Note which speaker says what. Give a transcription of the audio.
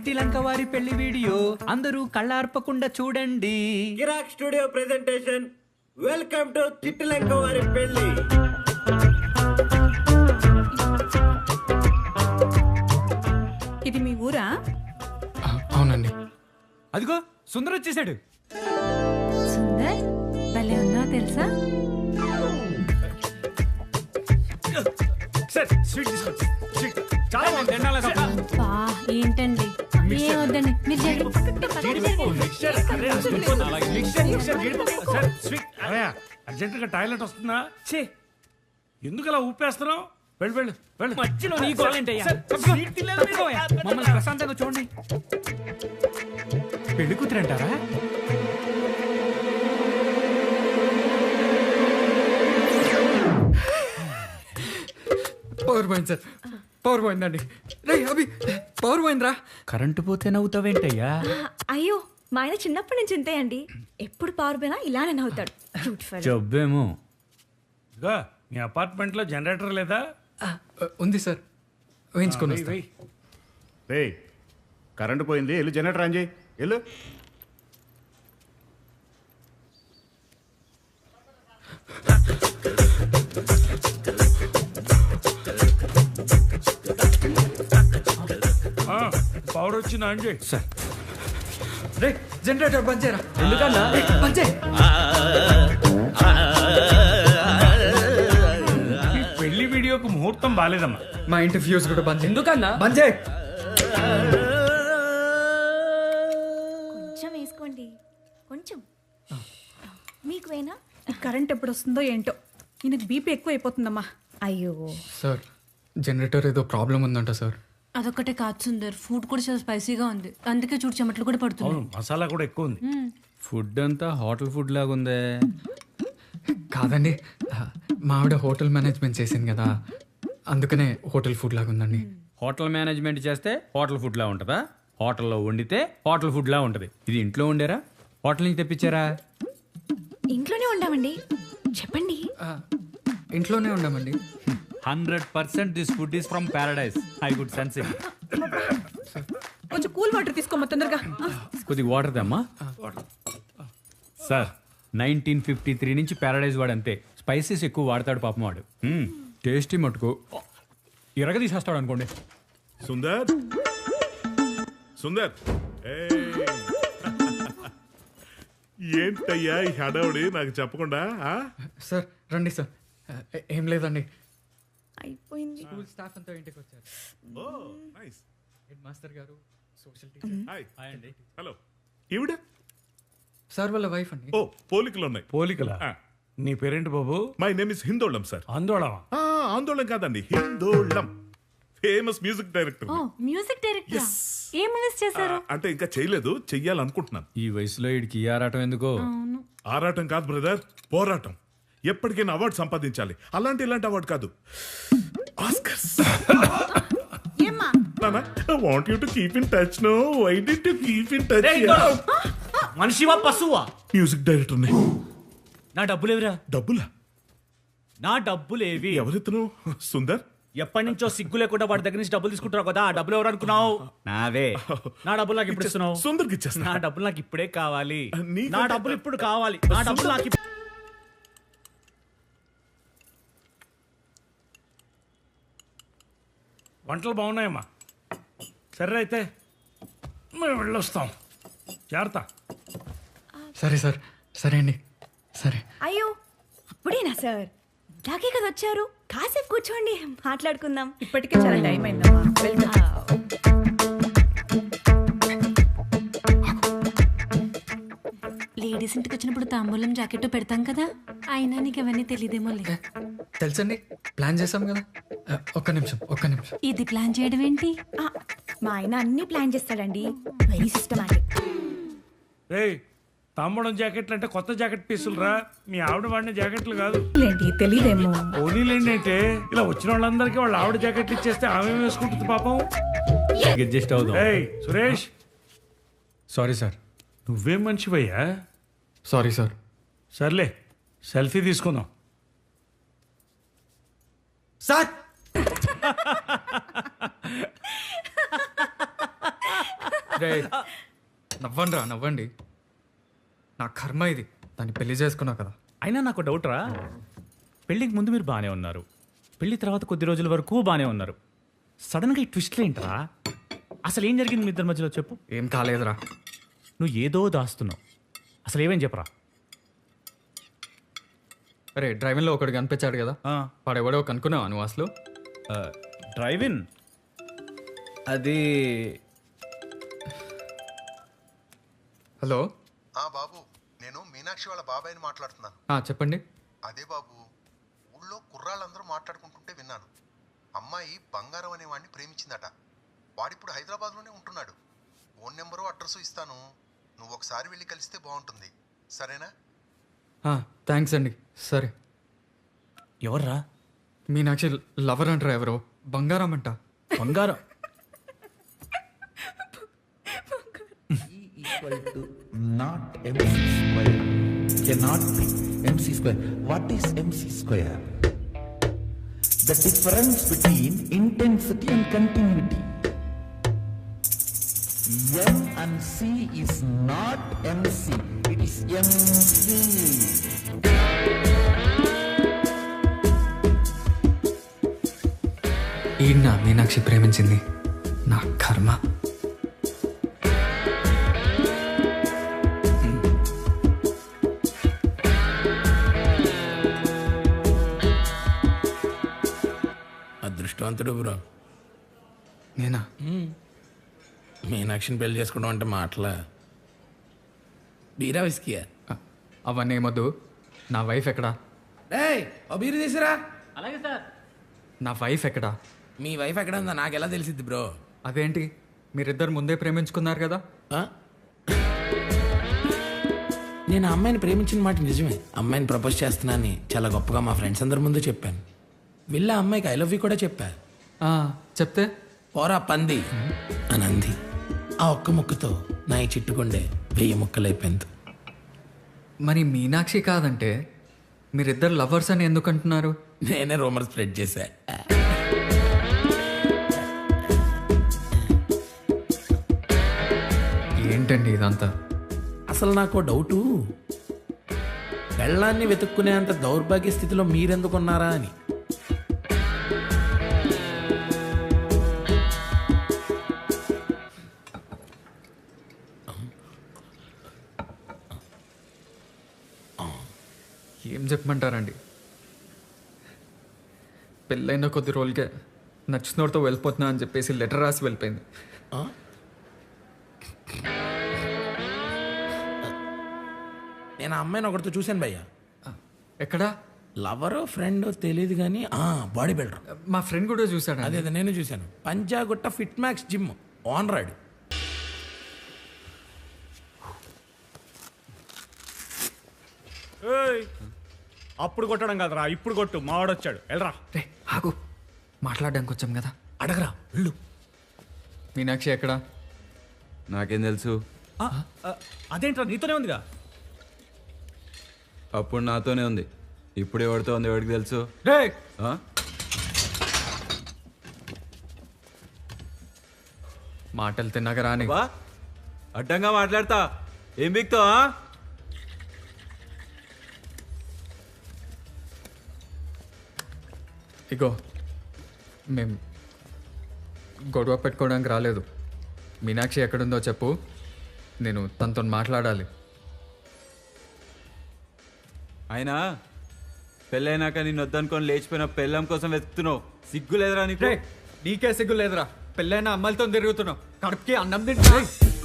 Speaker 1: చిట్టి లంక వారి పెళ్లి వీడియో అందరూ కళ్ళార్పకుండా చూడండి.
Speaker 2: కిరాక్ స్టూడియో ప్రెజెంటేషన్. వెల్కమ్ టు చిట్టి లంక వారి పెళ్లి.
Speaker 3: ఇది మీ ఊరా?
Speaker 4: అవునండి.
Speaker 1: అదిగో సుందర్ వచ్చేసాడు.
Speaker 3: సుందర్ భలే ఉన్నావు తెలుసా? అబ్బా, ఏంటండి ఏం వద్దండి మీరు
Speaker 5: అర్జెంట్ గా టాయిలెట్ వస్తుందా? చే ఎందుకు అలా ఊపేస్తున్నావు? వెళ్ళు వెళ్ళు వెళ్ళు.
Speaker 1: మధ్యలో నీ గోలేంటయ్యా? మమ్మల్ని ప్రశాంతంగా చూడండి. పెళ్లి కూతురంటారా?
Speaker 4: పవర్ పోయింది సార్, పవర్ పోయిందండి. రే అభి, పవర్ పోయిందిరా.
Speaker 1: కరెంటు పోతే నవ్వుతావేంటయ్యా?
Speaker 6: అయ్యో మా ఆయన చిన్నప్పటి నుంచి ఇంతే అండి. ఎప్పుడు పవర్ పోయినా ఇలానే నవ్వుతాడు. Cute fellow.
Speaker 1: జబ్బేమో.
Speaker 5: ఇదిగో మీ అపార్ట్మెంట్ లో జనరేటర్ లేదా?
Speaker 4: ఉంది సార్, వేయించుకొని
Speaker 5: వెయ్,
Speaker 4: వస్తా.
Speaker 5: వెయ్.
Speaker 7: రే కరెంటు పోయింది, వెళ్ళు జనరేటర్ ఆన్ చేయి, వెళ్ళు.
Speaker 5: పవర్ వచ్చింది ఆన్ చేయి.
Speaker 1: సార్
Speaker 4: రే జనరేటర్ బంద్ చేయరా.
Speaker 1: ఎందుకన్నా?
Speaker 4: బంద్ చేయి.
Speaker 5: ఈ పెళ్లి వీడియోకు ముహూర్తం బాలేదమ్మా.
Speaker 4: మా ఇంటి ఫ్యూజ్ కూడా బంద్ చేయి.
Speaker 1: ఎందుకన్నా?
Speaker 4: బంద్ చేయి.
Speaker 6: కొంచెం వేసుకోండి, కొంచెం. మీకు వేనా?
Speaker 3: ఈ కరెంట్ ఎప్పుడు వస్తుందో ఏంటో. ఈయనకు బీపీ ఎక్కువ అయిపోతుందమ్మా.
Speaker 6: అయ్యో
Speaker 4: సార్ జనరేటర్ ఏదో ప్రాబ్లం ఉందంట సార్.
Speaker 8: అదొక్కటే కాదు సుందర్, ఫుడ్ కూడా చాలా స్పైసీగా ఉంది, అందుకే చూడు చెమటలు కూడా పడుతుంది.
Speaker 5: అవును, మసాలా కూడా ఎక్కువ ఉంది.
Speaker 1: ఫుడ్ అంతా హోటల్ ఫుడ్ లాగా ఉందే.
Speaker 4: కాదండి, మా ఆవిడ హోటల్ మేనేజ్మెంట్ చేసింది కదా, అందుకనే హోటల్ ఫుడ్ లాగా ఉందండి.
Speaker 1: హోటల్ మేనేజ్మెంట్ చేస్తే హోటల్ ఫుడ్ లా ఉంటుందా? హోటల్లో వండితే హోటల్ ఫుడ్ లా ఉంటది. ఇది ఇంట్లో వండారా, హోటల్ నుంచి తెప్పించారా?
Speaker 6: ఇంట్లోనే ఉండామండి. చెప్పండి.
Speaker 4: ఇంట్లోనే ఉండమండి.
Speaker 1: 100% this food is from Paradise. I good sense it.
Speaker 3: కొంచెం కూల్ వాటర్ తీసుకోమ్మా తొందరగా.
Speaker 1: కొద్దిగా వాటర్ దమ్మా. సార్ 1953 నుంచి పారడైజ్ వాడు అంతే, స్పైసెస్ ఎక్కువ వాడతాడు పాపం వాడు. టేస్టీ మటుకు ఇరగ తీసేస్తాడు అనుకోండి.
Speaker 9: సుందర్ సుందర్ ఏంటయ్యా ఈ హడావుడి నాకు చెప్పకుండా?
Speaker 4: సార్ రండి సార్. ఏం లేదండి,
Speaker 6: అయిపోయింది.
Speaker 4: స్కూల్ స్టాఫ్ అంతా ఇంటికి వచ్చారు.
Speaker 9: Oh nice.
Speaker 4: హెడ్ మాస్టర్ గారు, సోషల్ టీచర్.
Speaker 9: హాయ్ అండి. హలో. ఈవిడ?
Speaker 4: సార్ వాళ్ళ వైఫ్ అండి.
Speaker 9: ఓ పోలికలు ఉన్నాయి.
Speaker 5: పోలికలా? నీ పేరేంటి బాబు?
Speaker 9: My name is Hindolam sir.
Speaker 5: ఆందోళన?
Speaker 9: ఆందోళన కాదండి, Hindolam. Famous music director.
Speaker 8: Oh music director. ఏం మూవీస్ చేశారు?
Speaker 9: అంటే ఇంకా చేయలేదు, చెయ్యాలనుకుంటున్నాను.
Speaker 1: ఈ వయసులో వీడికి ఆరాటం ఎందుకో?
Speaker 9: ఆరాటం కాదు బ్రదర్, పోరాటం. ఎప్పటికైనా అవార్డు సంపాదించాలి. ఇలాంటి అవార్డు కాదు, ఆస్కర్స్.
Speaker 3: ఏమ్మా?
Speaker 9: నానా, I want you to keep in touch, no? Why did you keep in touch?
Speaker 1: మనిషివా పశువా?
Speaker 9: మ్యూజిక్ డైరెక్టర్ ని.
Speaker 1: నా డబ్బులేవిరా?
Speaker 9: డబ్బులా?
Speaker 1: నా డబ్బులేవి?
Speaker 9: ఎవరితను? సుందర్?
Speaker 1: ఎప్పటి నుంచో సిగ్గు లేకుండా వాడి దగ్గర నుంచి డబ్బులు తీసుకుంటావు కదా, ఆ డబ్బులు ఎవరు అనుకున్నావు? నావే. నా డబ్బులు నాకు ఇప్పుడు ఇస్తున్నావు?
Speaker 9: సుందర్కి ఇచ్చేస్తా.
Speaker 1: నా డబ్బులు నాకు ఇప్పుడే కావాలి.
Speaker 9: నీకంటే-
Speaker 1: నా డబ్బులు ఇప్పుడు కావాలి. నా డబ్బులు నాకు
Speaker 5: వంటలు బాగున్నాయమ్మా. సరే అయితే మేము వెళ్ళొస్తాం. జాగ్రత్త.
Speaker 4: సరే సార్, సరే అండి, సరే.
Speaker 6: అయ్యో అప్పుడేనా సార్? ఇలాగే కదా వచ్చారు. కాసేపు కూర్చోండి, మాట్లాడుకుందాం.
Speaker 3: ఇప్పటికే చాలా టైం అయిందమ్మా. వెళ్దాం.
Speaker 8: లేడీస్ ఇంటికి వచ్చినప్పుడు తాంబూలం జాకెట్ పెడతాం కదా, అయినా నీకు అవన్నీ తెలియదేమో.
Speaker 4: తెలుసండి, ప్లాన్ చేసాం కదా. ఒక్క నిమిషం.
Speaker 8: ఇది ప్లాన్ చేయడం ఏంటి?
Speaker 6: మా ఆయన అన్ని ప్లాన్ చేస్తాడండి. Very systematic.
Speaker 5: రేయ్, తాంబూలం జాకెట్లు అంటే కొత్త జాకెట్ పీసులు రా. మీ ఆవిడ వాడిన జాకెట్లు కాదు.
Speaker 3: లేండి తెలియదేమో.
Speaker 5: పోనీలేండి అంటే ఇలా వచ్చిన వాళ్ళందరికీ వాళ్ళ ఆవిడ జాకెట్లు ఇచ్చేస్తే ఆమె వేసుకుంటుంది పాపం.
Speaker 1: అడ్జస్ట్ అవుదాం.
Speaker 5: ఏయ్ సురేష్,
Speaker 1: సారీ సార్.
Speaker 5: నువ్వేం మనిషివయ్యా?
Speaker 4: Sorry sir.
Speaker 5: సర్లే, సెల్ఫీ తీసుకుందాం.
Speaker 4: సార్ రేయ్, నవ్వండి నవ్వండి. నా కర్మ ఇది, దాన్ని పెళ్లి చేసుకున్నా కదా.
Speaker 1: అయినా నాకు డౌట్ రా, పెళ్ళికి ముందు మీరు బాగానే ఉన్నారు, పెళ్లి తర్వాత కొద్ది రోజుల వరకు బాగానే ఉన్నారు, సడన్గా ఈ ట్విస్ట్లు ఏంట్రా? అసలు ఏం జరిగింది మీ ఇద్దరి మధ్యలో చెప్పు.
Speaker 4: ఏం కాలేదురా.
Speaker 1: నువ్వు ఏదో దాస్తున్నావు, అసలు ఏమేం చెప్పరా?
Speaker 4: అరే డ్రైవింగ్లో ఒకడు కనిపించాడు కదా, వాడెవడో కనుక్కున్నావా నువ్వు అసలు?
Speaker 1: డ్రైవింగ్ అది
Speaker 4: హలో
Speaker 10: బాబు, నేను మీనాక్షి వాళ్ళ బాబాయ్ని మాట్లాడుతున్నాను.
Speaker 4: చెప్పండి.
Speaker 10: అదే బాబు, ఊళ్ళో కుర్రాళ్ళందరూ మాట్లాడుకుంటుంటే విన్నాను. అమ్మాయి బంగారం అనే వాడిని ప్రేమించిందట. వాడిప్పుడు హైదరాబాద్లోనే ఉంటున్నాడు. ఫోన్ నెంబరు అడ్రస్ ఇస్తాను, నువ్వు ఒకసారి వెళ్ళి కలిస్తే బాగుంటుంది. సరేనా?
Speaker 4: థ్యాంక్స్ అండి. సరే.
Speaker 1: ఎవర్రా?
Speaker 4: మీనాక్షి లవర్ అంటారా? ఎవరో బంగారం అంట.
Speaker 1: బంగారం?
Speaker 11: Not MC square. Cannot be MC square. What is MC square? The difference between intensity and continuity. M and C is not MC. It is MC.
Speaker 4: ఈయన మీనాక్షి ప్రేమించింది. నా కర్మ.
Speaker 5: అదృష్టవంతుడు బ్రో.
Speaker 4: నేనా?
Speaker 5: మీనాక్షిని పెళ్లి చేసుకోవడం అంటే మాటలా? బీరా విస్కియా?
Speaker 4: అవన్నీ ఏమొద్దు. నా వైఫ్ ఎక్కడా?
Speaker 5: బీరు తీసిరా.
Speaker 8: అలాగే సార్.
Speaker 4: నా వైఫ్ ఎక్కడా?
Speaker 5: మీ వైఫ్ ఎక్కడ ఉందా నాకు ఎలా తెలిసిద్ది బ్రో?
Speaker 4: అదేంటి, మీరిద్దరు ముందే ప్రేమించుకున్నారు కదా?
Speaker 5: నేను ఆ అమ్మాయిని ప్రేమించిన మాట నిజమే. అమ్మాయిని ప్రపోజ్ చేస్తున్నానని చాలా గొప్పగా మా ఫ్రెండ్స్ అందరి ముందు చెప్పాను. వెళ్ళి ఆ అమ్మాయికి ఐ లవ్ యూ కూడా చెప్పా.
Speaker 4: చెప్తే
Speaker 5: పోరా పంది అని అంది. ఆ ఒక్క ముక్కుతో నా ఈ చిట్టుకుండే 1000 ముక్కలైపోయింది.
Speaker 4: మరి మీనాక్షి కాదంటే మీరిద్దరు లవర్స్ అని ఎందుకు అంటున్నారు?
Speaker 5: నేనే రూమర్ స్ప్రెడ్ చేశా.
Speaker 4: ఏంటండి ఇదంతా?
Speaker 5: అసలు నాకు డౌటు, పెళ్ళాన్ని వెతుక్కునేంత దౌర్భాగ్య స్థితిలో మీరెందుకున్నారా అని.
Speaker 4: ఏం చెప్పమంటారండి, పెళ్ళైన కొద్ది రోజులకే నచ్చినోడితో వెళ్ళిపోతున్నా అని చెప్పేసి లెటర్ రాసి వెళ్ళిపోయింది.
Speaker 5: నేను ఆ అమ్మాయిని ఒకరితో చూశాను భయ్యా.
Speaker 4: ఎక్కడా?
Speaker 5: లవరో ఫ్రెండో తెలియదు కానీ బాడీ బిల్డర్.
Speaker 4: మా ఫ్రెండ్ కూడా చూశాడు.
Speaker 5: అదే నేను చూశాను. పంజాగుట్ట ఫిట్ మ్యాక్స్ జిమ్ ఓనరాడు.
Speaker 1: అప్పుడు కొట్టడం కాదురా, ఇప్పుడు కొట్టు. మావాడొచ్చాడు, వెళ్ళరా.
Speaker 4: రే ఆగు, మాట్లాడడానికి వచ్చాం కదా.
Speaker 5: అడగరా వెళ్ళు.
Speaker 4: మీనాక్షి ఎక్కడా?
Speaker 12: నాకేం తెలుసు?
Speaker 1: అదేంట్రా, నీతోనే ఉందిగా.
Speaker 12: అప్పుడు నాతోనే ఉంది, ఇప్పుడు ఎవరితో ఉంది ఎవరికి తెలుసు?
Speaker 4: రే మాటలు తిన్నాక రాని.
Speaker 12: అడ్డంగా మాట్లాడతా, ఏం బిక్తావా?
Speaker 4: ఇగో మేం గొడవ పెట్టుకోవడానికి రాలేదు. మీనాక్షి ఎక్కడుందో చెప్పు, నేను తనతో మాట్లాడాలి.
Speaker 12: అయినా పెళ్ళైనాక నేను వద్దనుకొని లేచిపోయిన పెళ్ళం కోసం వెతుకుతున్నావు, సిగ్గు లేదురా నీకు?
Speaker 4: నీకే సిగ్గు లేదురా, పెళ్ళైన అమ్మాయిలతో తిరుగుతున్నావు, కడుపుకి అన్నం తింటా.